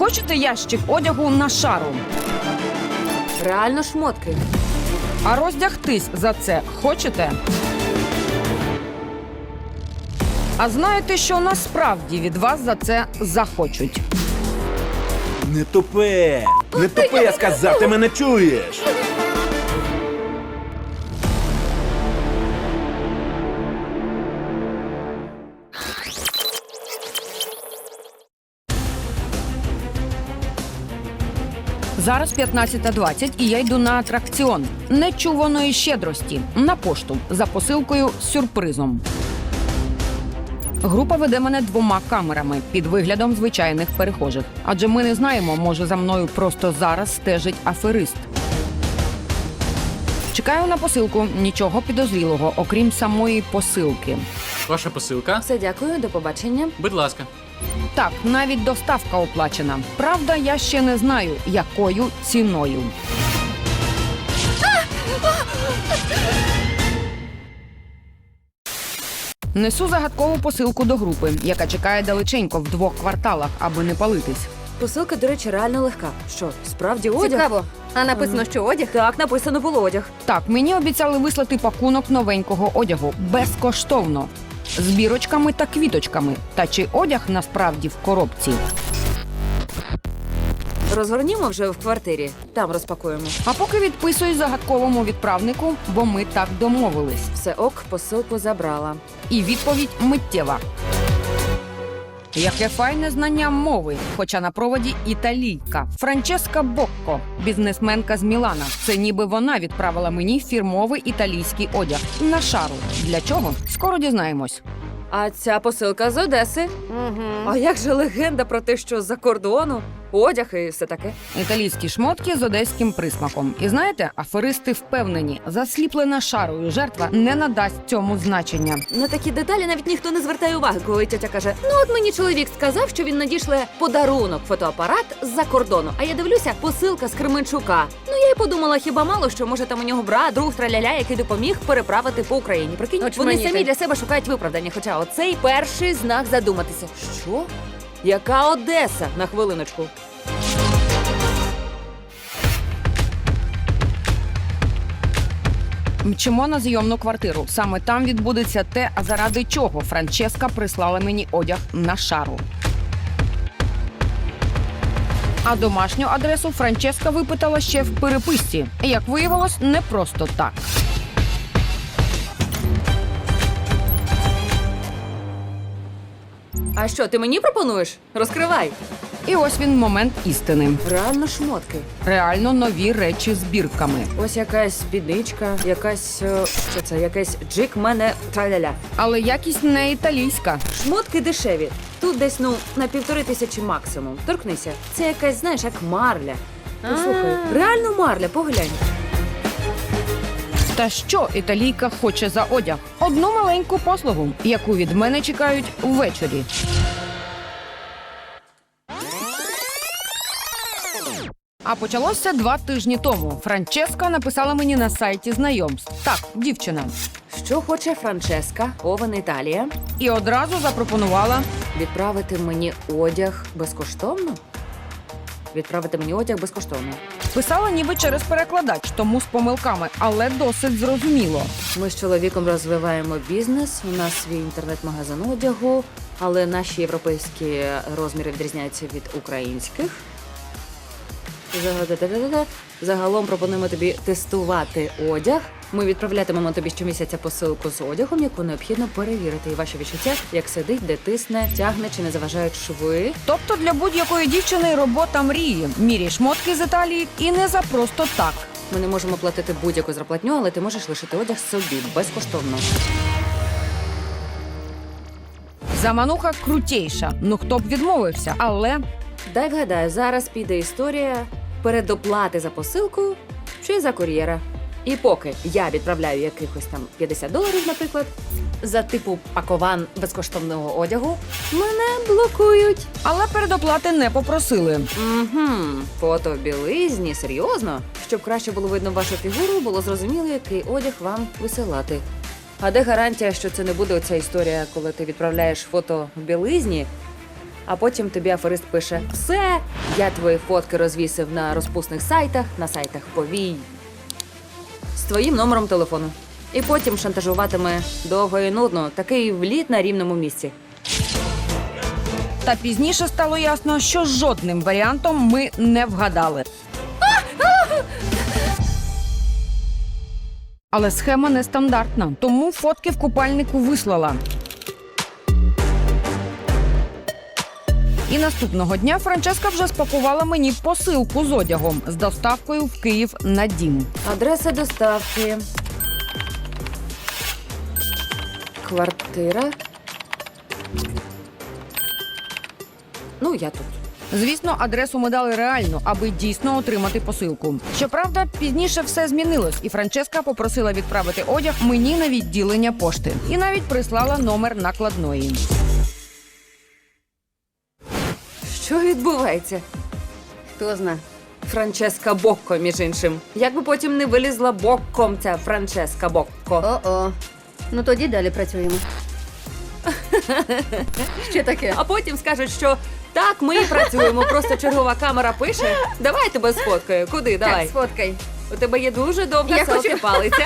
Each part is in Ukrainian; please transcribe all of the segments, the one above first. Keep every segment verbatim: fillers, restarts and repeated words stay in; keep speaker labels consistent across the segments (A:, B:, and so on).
A: Хочете ящик одягу на шару?
B: Реально шмотки.
A: А роздягтись за це хочете? А знаєте, що насправді від вас за це захочуть?
C: Не тупе! Не тупе, я сказав, ти мене чуєш!
A: Зараз п'ятнадцята двадцять і я йду на атракціон нечуваної щедрості на пошту за посилкою з сюрпризом. Група веде мене двома камерами під виглядом звичайних перехожих. Адже ми не знаємо, може за мною просто зараз стежить аферист. Чекаю на посилку, нічого підозрілого, окрім самої посилки.
D: Ваша посилка?
B: Все, дякую, до побачення.
D: Будь ласка.
A: Так, навіть доставка оплачена. Правда, я ще не знаю, якою ціною. Несу загадкову посилку до групи, яка чекає далеченько в двох кварталах, аби не палитись.
B: Посилка, до речі, реально легка. Що, справді одяг?
E: Цікаво. А написано, що одяг?
B: Так, написано було одяг.
A: Так, мені обіцяли вислати пакунок новенького одягу безкоштовно. З бірочками та квіточками. Та чи одяг насправді в коробці?
B: Розгорнімо вже в квартирі. Там розпакуємо.
A: А поки відписуюсь загадковому відправнику, бо ми так домовились.
B: Все ок, посилку забрала.
A: І відповідь миттєва. Яке файне знання мови, хоча на проводі італійка. Франческа Бокко, бізнесменка з Мілана. Це ніби вона відправила мені фірмовий італійський одяг на шару. Для чого? Скоро дізнаємось.
B: А ця посилка з Одеси.
E: Угу.
B: А як же легенда про те, що з-за кордону, одяг і все таке?
A: Італійські шмотки з одеським присмаком. І знаєте, аферисти впевнені, засліплена шарою жертва не надасть цьому значення.
B: На такі деталі навіть ніхто не звертає уваги, коли тетя каже: ну от мені чоловік сказав, що він надішле подарунок, фотоапарат з-за кордону. А я дивлюся, посилка з Кременчука. Ну я й подумала, хіба мало, що може там у нього брат, друг, траляля, який допоміг переправити по Україні. Прикинь, вони
E: Очманіти.
B: самі для себе шукають виправдання. Хоча оцей перший знак задуматися. Що? Яка Одеса? На хвилиночку.
A: Мчимо на зйомну квартиру. Саме там відбудеться те, а заради чого Франческа прислала мені одяг на шару. А домашню адресу Франческа випитала ще в переписці. Як виявилось, не просто так.
B: А що, ти мені пропонуєш? Розкривай.
A: І ось він момент істини.
B: Реально шмотки.
A: Реально нові речі з бірками.
B: Ось якась спідничка, якась, е, що це, якась джик мене траляля.
A: Але якість не італійська.
B: Шмотки дешеві. Тут десь, ну, на півтори тисячі максимум. Торкнися. Це якась, знаєш, як марля. Послухай, реально марля, поглянь.
A: Та що італійка хоче за одяг? Одну маленьку послугу, яку від мене чекають ввечері. А почалося два тижні тому. Франческа написала мені на сайті знайомств. Так, дівчина.
B: Що хоче Франческа, Овен Італія,
A: І одразу запропонувала.
B: відправити мені одяг безкоштовно? Відправити мені одяг безкоштовно.
A: Писала ніби через перекладач, тому з помилками, але досить зрозуміло.
B: Ми з чоловіком розвиваємо бізнес, у нас свій інтернет-магазин одягу, але наші європейські розміри відрізняються від українських. Зага- Загалом пропонуємо тобі тестувати одяг. Ми відправлятимемо тобі щомісяця посилку з одягом, яку необхідно перевірити. І ваші відчуття, як сидить, де тисне, тягне чи не заважають шви.
A: Тобто для будь-якої дівчини робота мрії. Міряй шмотки з Італії і не за просто так.
B: Ми не можемо платити будь-яку зарплатню, але ти можеш лишити одяг собі безкоштовно.
A: Замануха крутейша. Ну хто б відмовився, але...
B: Дай вгадаю, зараз піде історія передоплати за посилку чи за кур'єра. І поки я відправляю якихось там п'ятдесят доларів, наприклад, за типу пакован безкоштовного одягу, мене блокують.
A: Але передоплати не попросили.
B: Угу. Фото в білизні, серйозно? Щоб краще було видно вашу фігуру, було зрозуміло, який одяг вам висилати. А де гарантія, що це не буде оця історія, коли ти відправляєш фото в білизні, А потім тобі аферист пише: все, я твої фотки розвісив на розпусних сайтах, на сайтах повій з твоїм номером телефону. І потім шантажуватиме довго і нудно, такий вліт на рівному місці.
A: Та пізніше стало ясно, що жодним варіантом ми не вгадали. Але схема нестандартна, тому фотки в купальнику вислала. І наступного дня Франческа вже спакувала мені посилку з одягом з доставкою в Київ на дім.
B: Адреса доставки. Квартира. Ну, я тут.
A: Звісно, адресу ми дали реальну, аби дійсно отримати посилку. Щоправда, пізніше все змінилось, і Франческа попросила відправити одяг мені на відділення пошти. І навіть прислала номер накладної.
B: Що відбувається?
E: Хто зна?
B: Франческа Бокко, між іншим. Як би потім не вилізла бокком ця Франческа Бокко.
E: О-о. Ну тоді далі працюємо. Що таке?
B: А потім скажуть, що так, ми і працюємо, просто чергова камера пише. Давай тебе сфоткаю. Куди? Давай.
E: Так, сфоткай.
B: У тебе є дуже довга
E: Я
B: селфі
E: хочу-
B: палиця.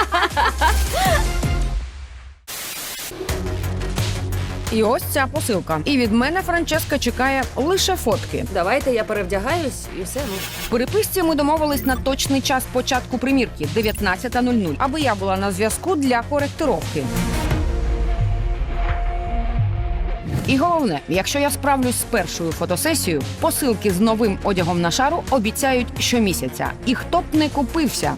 A: І ось ця посилка. І від мене Франческа чекає лише фотки.
B: Давайте я перевдягаюсь і все. Ну.
A: В переписці ми домовились на точний час початку примірки – дев'ятнадцята нуль нуль, аби я була на зв'язку для коректировки. І головне, якщо я справлюсь з першою фотосесією, посилки з новим одягом на шару обіцяють щомісяця. І хто б не купився.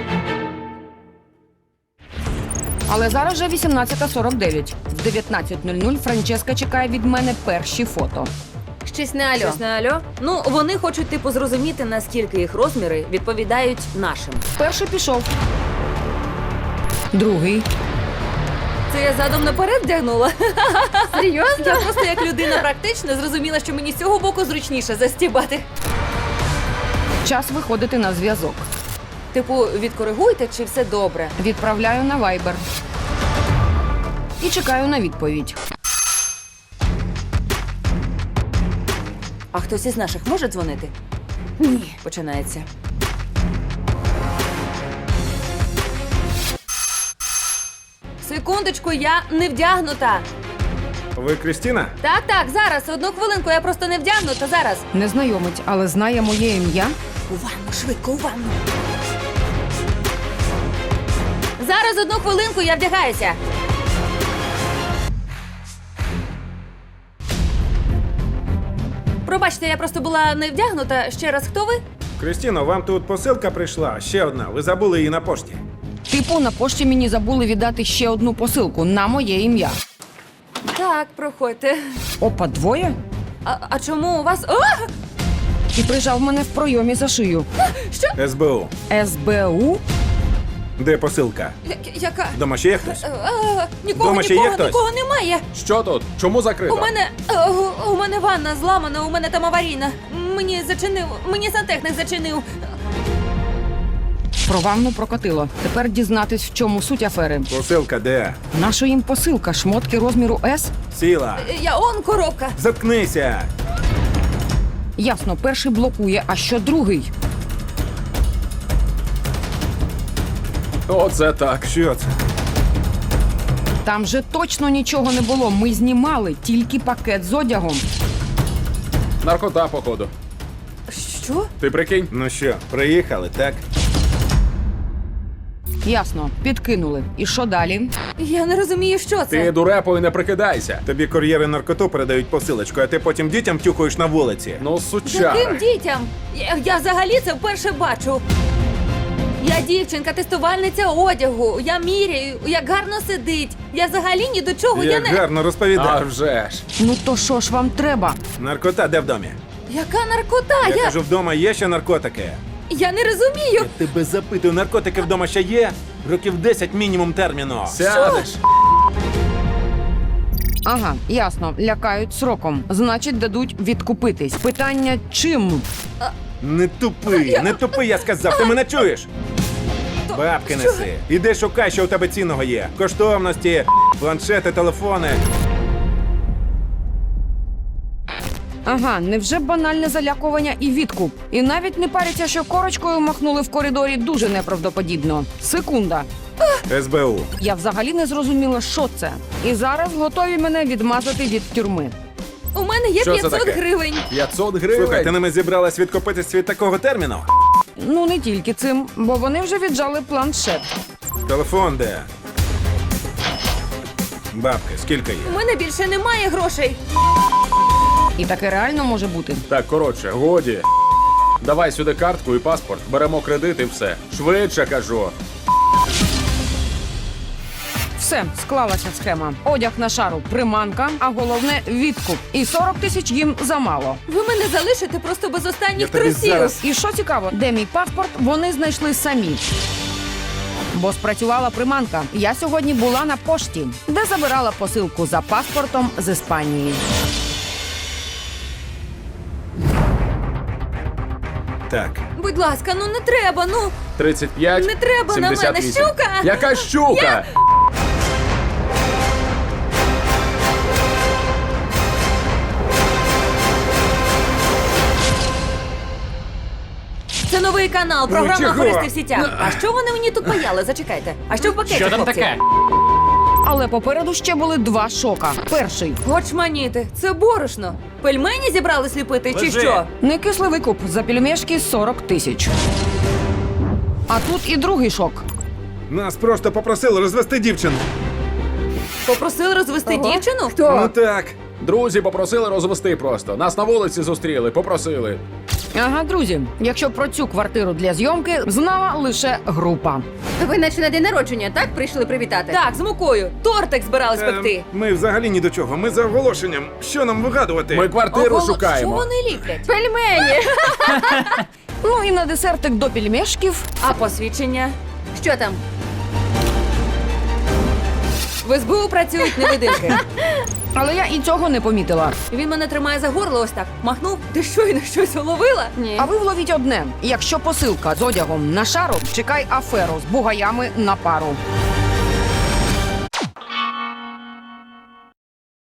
A: Але зараз вже вісімнадцята сорок дев'ять. В дев'ятнадцята нуль нуль Франческа чекає від мене перші фото.
E: Щось не альо.
B: Щось на альо? Ну, вони хочуть типу зрозуміти, наскільки їх розміри відповідають нашим.
A: Перший пішов. Другий.
B: Це я задом наперед вдягнула.
E: Серйозно?
B: Я просто як людина практична зрозуміла, що мені з цього боку зручніше застібати.
A: Час виходити на зв'язок.
B: Типу, відкоригуйте, чи все добре.
A: Відправляю на Viber. І чекаю на відповідь.
B: А хтось із наших може дзвонити?
E: Ні.
B: Починається. Секундочку, я не вдягнута.
C: Ви Крістіна?
B: Так, так, зараз, одну хвилинку, я просто не вдягнута, зараз.
A: Незнайомець, але знає моє ім'я.
B: У ванну, швидко, у ванну. Зараз, одну хвилинку, я вдягаюся. Пробачте, я просто була не вдягнута. Ще раз, хто ви?
C: Крістіно, вам тут посилка прийшла. Ще одна. Ви забули її на пошті.
A: Типу, на пошті мені забули віддати ще одну посилку на моє ім'я.
B: Так, проходьте.
A: Опа, двоє?
B: А, а чому у вас. О!
A: І прижав мене в пройомі за шию.
C: ес бе у.
A: ес бе у?
C: Де посилка?
B: Я- Яка?
C: Дома ще є хтось?
B: А, а, нікого,
C: Дома ще є
B: нікого,
C: хтось?
B: нікого немає.
D: Що тут? Чому закрито?
B: У мене. а, у- у мене ванна зламана, у мене там аварійна. Мені зачинив. Мені сантехник зачинив.
A: Про ванну прокатило. Тепер дізнатись, в чому суть афери.
C: Посилка де?
A: Наша їм посилка, шмотки розміру С?
C: Сіла.
B: Я он коробка.
C: Заткнися.
A: Ясно, перший блокує, а що другий?
D: Оце так.
C: Що це?
A: Там же точно нічого не було. Ми знімали тільки пакет з одягом.
D: Наркота, походу.
B: Що?
D: Ти прикинь?
C: Ну що, приїхали, так?
A: Ясно, підкинули. І що далі?
B: Я не розумію, що це.
D: Ти дурепою не прикидайся.
C: Тобі кур'єри наркоту передають посилочку, а ти потім дітям тюхаєш на вулиці.
D: Ну, сучара.
B: Яким дітям? Я, я взагалі це вперше бачу. Я дівчинка, тестувальниця одягу. Я міряю, як гарно сидить. Я взагалі ні до чого. Я
C: Як
B: не.
C: гарно
D: А
C: розповідав.
D: вже ж.
A: Ну то що ж вам треба?
C: Наркота де в домі?
B: Яка наркота?
C: Я
B: Я,
C: кажу, вдома є ще наркотики.
B: я не розумію.
C: Я тебе запитую, наркотики вдома ще є? Років десять мінімум терміну.
D: Сядеш.
A: Ага, ясно, лякають сроком. Значить, дадуть відкупитись. Питання чим?
C: Не тупи, не тупи, я сказав, ти мене чуєш? Бабки неси. Іди шукай, що у тебе цінного є. Коштовності, планшети, телефони.
A: Ага, невже банальне залякування і відкуп? І навіть не паряться, що корочкою махнули в коридорі дуже неправдоподібно. Секунда.
C: С Б У.
A: Я взагалі не зрозуміла, що це. І зараз готові мене відмазати від тюрми.
B: У мене є
D: Що це
B: п'ятсот
D: таке?
B: гривень.
D: п'ятсот гривень?
C: Слухай, ти ними зібралась відкупитись від такого терміну?
A: Ну, не тільки цим, бо вони вже віджали планшет.
C: Телефон де? Бабки, скільки є?
B: У мене більше немає грошей.
A: І таке реально може бути.
D: Так, коротше, годі. Давай сюди картку і паспорт, беремо кредит і все. Швидше, кажу.
A: Все, склалася схема. Одяг на шару, приманка, а головне відкуп. І сорок тисяч їм замало.
B: Ви мене залишите просто без останніх
C: Я тобі
B: трусів.
C: зараз-
A: І що цікаво, де мій паспорт, вони знайшли самі. Бо спрацювала приманка. Я сьогодні була на пошті, де забирала посилку за паспортом з Іспанії.
C: Так.
B: Будь ласка, ну не треба, ну.
D: тридцять п'ять,
B: Не треба на мене,
D: сімдесят вісім.
B: щука!
D: Яка щука?
B: Це новий канал, програма
C: чого?
B: «Аферисти в сітях». А що вони мені тут паяли? Зачекайте. А що в пакеті,
F: Що там
B: хлопці?
F: таке?
A: Але попереду ще були два шока. Перший
B: Гочманіти, це борошно. Пельмені зібрались ліпити чи
C: Лежи.
B: що?
A: некислий викуп за пельмешки сорок тисяч. А тут і другий шок.
C: Нас просто попросили розвести дівчину.
B: Попросили розвести
E: Ого.
B: дівчину?
E: Хто?
C: Ну так.
D: Друзі попросили розвести просто. Нас на вулиці зустріли, попросили.
A: Ага, друзі, якщо про цю квартиру для зйомки знала лише група.
E: Ви наче на день народження, так? Прийшли привітати?
B: Так, з мукою. Тортик збирались пекти.
C: Ем, Ми взагалі ні до чого. Ми за оголошенням. Що нам вигадувати?
D: Ми квартиру
B: Ого,
D: шукаємо.
B: Що вони ліплять?
E: Пельмені!
A: Ну і на десертик до пельмешків
B: А посвідчення?
E: Що там?
B: В ес бе у працюють невидимки.
A: але я і цього не помітила.
B: Він мене тримає за горло ось так. Махнув. Ти щойно щось уловила?
E: Ні.
A: А ви вловіть одне: якщо посилка з одягом на шару, чекай аферу з бугаями на пару.